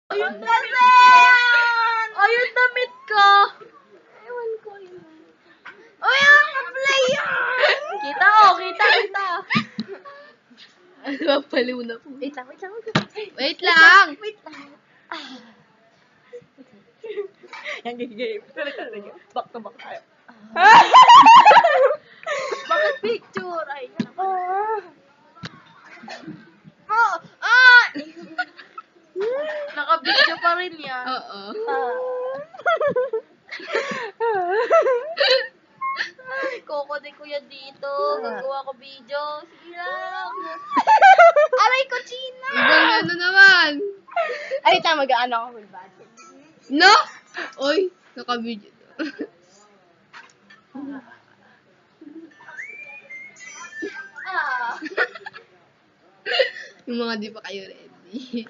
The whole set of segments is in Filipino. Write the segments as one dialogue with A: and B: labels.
A: Ayun kasi! Ayun damit ko! Ewan ko yun. Uy, ang ka-play yan! Kita ko, kita.
B: Ano ba, paliw na po.
A: Wait lang.
B: Wait lang!
A: Wait lang.
C: Yan, gigigay. Back to back tayo.
A: Bakit picture? Ay, naka-video pa rin yan.
B: Oo.
A: Ay, kokode ko yan dito. Gagawa ko video. Sige lang. Aray ko, China!
B: Ibang ano naman.
C: Ay, tama, mag-ano ako with budget.
B: No? Oy, naka-video. Yung mga di pa kayo ready.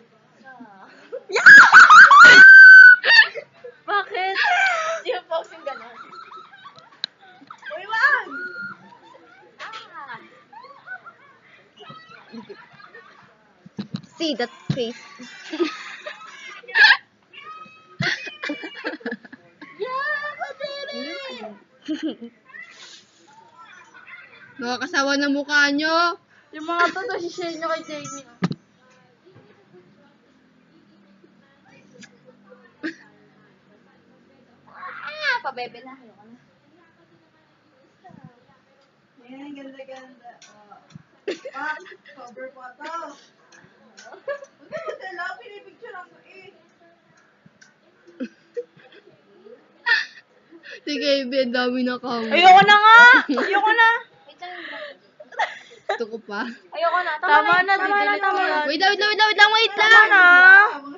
A: Bakit?
C: Di ba post yung gano'n? Uy, wag!
A: See that face.
B: Nakakasawa ng mukha nyo.
A: Yung mga to, share nyo kay Jamie. Pabebe na. Ayoko na.
C: Ayan, ganda-ganda. Ah, cover po ito. Huwag ka magdala, pinipicture ako eh.
B: Sige, Ibe, dami na kami.
C: Ayoko na nga! Ayoko na!
B: Gusto ko pa.
A: Ayoko na. Tama na.
C: Tama na.
B: Wait lang.
C: Tama na!